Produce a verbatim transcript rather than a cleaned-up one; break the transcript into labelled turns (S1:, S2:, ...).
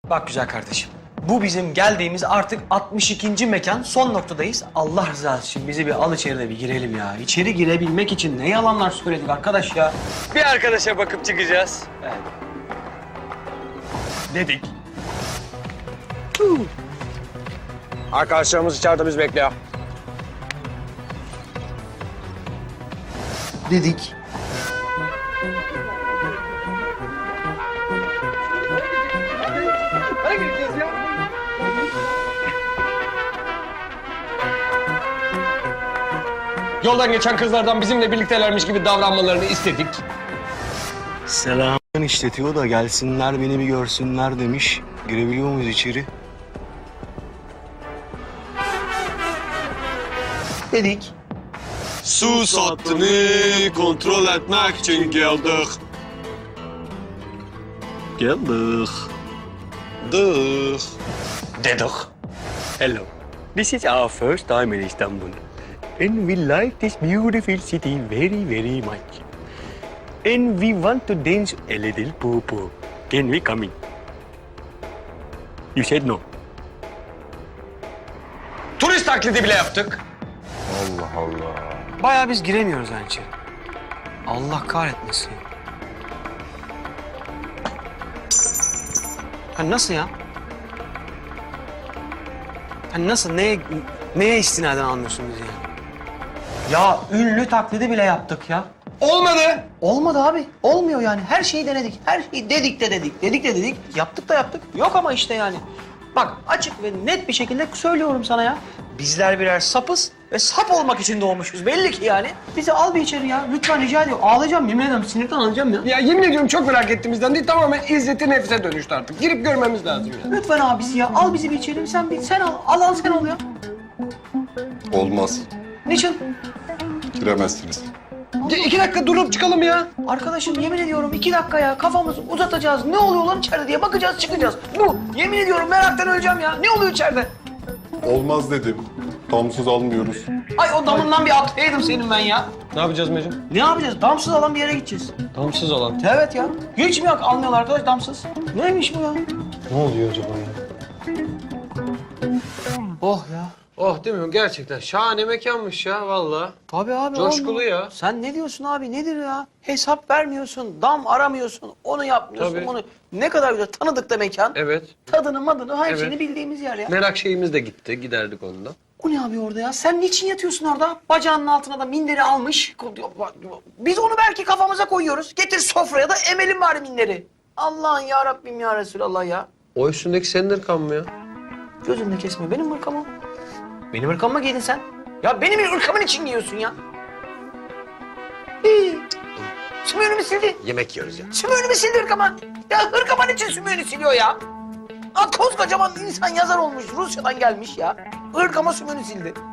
S1: Bak güzel kardeşim. Bu bizim geldiğimiz artık altmış ikinci mekan. Son noktadayız. Allah rızası için bizi bir al içeri de bir girelim ya. İçeri girebilmek için ne yalanlar söyledik arkadaş ya. Bir arkadaşa bakıp çıkacağız. Evet. Dedik.
S2: Arkadaşlarımız içeride biz bekliyor.
S1: Dedik.
S2: Yoldan geçen kızlardan bizimle birliktelermiş gibi davranmalarını istedik.
S3: Selam işletiyor da gelsinler beni bir görsünler demiş. Girebiliyor muyuz içeri?
S1: Dedik.
S3: Su sattığını kontrol etmek için geldik. Geldik. Dık.
S4: Dedik. Hello. This is our first time in Istanbul. And we like this beautiful city very, very much. And we want to dance a little poo-poo. Can we come in? You said no.
S2: Turist taklidi bile yaptık.
S1: Bayağı biz giremiyoruz yani içeri. Allah kahretmesin. Ha nasıl ya? Ha nasıl? Neye, neye istinaden anlıyorsunuz yani? Ya ünlü taklidi bile yaptık ya.
S2: Olmadı.
S1: Olmadı abi. Olmuyor yani. Her şeyi denedik. Her şeyi dedik de dedik. Dedik de dedik. Yaptık da yaptık. Yok ama işte yani. Bak açık ve net bir şekilde söylüyorum sana ya. Bizler birer sapız ve sap olmak için doğmuşuz. Belli ki yani. Bizi al bir içeri ya. Lütfen rica ediyorum. Ağlayacağım. Yemin ederim sinirden ağlayacağım ya.
S2: Ya yemin ediyorum çok merak ettiğimizden değil, tamamen izzeti nefse dönüştü artık. Girip görmemiz lazım ya.
S1: Lütfen abisi ya. Al bizi bir içeri. Sen bir sen al. Al al sen al ya.
S5: Olmaz.
S1: Niçin?
S5: Giremezsiniz.
S2: Ya iki dakika durup çıkalım ya.
S1: Arkadaşım yemin ediyorum iki dakika ya. Kafamızı uzatacağız. Ne oluyor lan içeride diye bakacağız çıkacağız. Bu. Yemin ediyorum meraktan öleceğim ya. Ne oluyor içeride?
S5: Olmaz dedim. Damsız almıyoruz.
S1: Ay o damından bir atlayaydım senin ben ya.
S2: Ne yapacağız Mecnun?
S1: Ne yapacağız? Damsız alan bir yere gideceğiz.
S2: Damsız olan.
S1: Evet ya. Hiç mi yok almıyorlar arkadaş damsız? Neymiş bu ya?
S2: Ne oluyor acaba ya?
S1: Oh ya.
S2: Oh değil mi? Gerçekten şahane mekanmış ya vallahi.
S1: Tabii abi.
S2: Coşkulu
S1: olmuyor.
S2: ya.
S1: Sen ne diyorsun abi? Nedir ya? Hesap vermiyorsun, dam aramıyorsun, onu yapmıyorsun,
S2: Tabii.
S1: bunu. Ne kadar güzel. Tanıdık da mekan.
S2: Evet.
S1: Tadını madını her
S2: Evet.
S1: şeyini bildiğimiz yer ya.
S2: Merak şeyimiz de gitti. Giderdik ondan.
S1: O ne abi orada ya? Sen niçin yatıyorsun orada? Bacağının altına da minderi almış. Biz onu belki kafamıza koyuyoruz. Getir sofraya da emelim bari minderi. Allah'ın ya Rabbim ya Resulallah ya.
S2: O üstündeki senin ırkan mı ya?
S1: Gözünü kesme. Benim ırkamı. Benim ırkamı mı giydin sen? Ya benim ırkamın için giyiyorsun ya. Hii. Sümüğünü sildi?
S2: Yemek yiyoruz ya.
S1: Sümüğünü sildi ırkaman? Ya ırkaman için sümüğünü siliyor ya. Aa, koskocaman insan yazar olmuş. Rusya'dan gelmiş ya. Irkama sümüğünü sildi.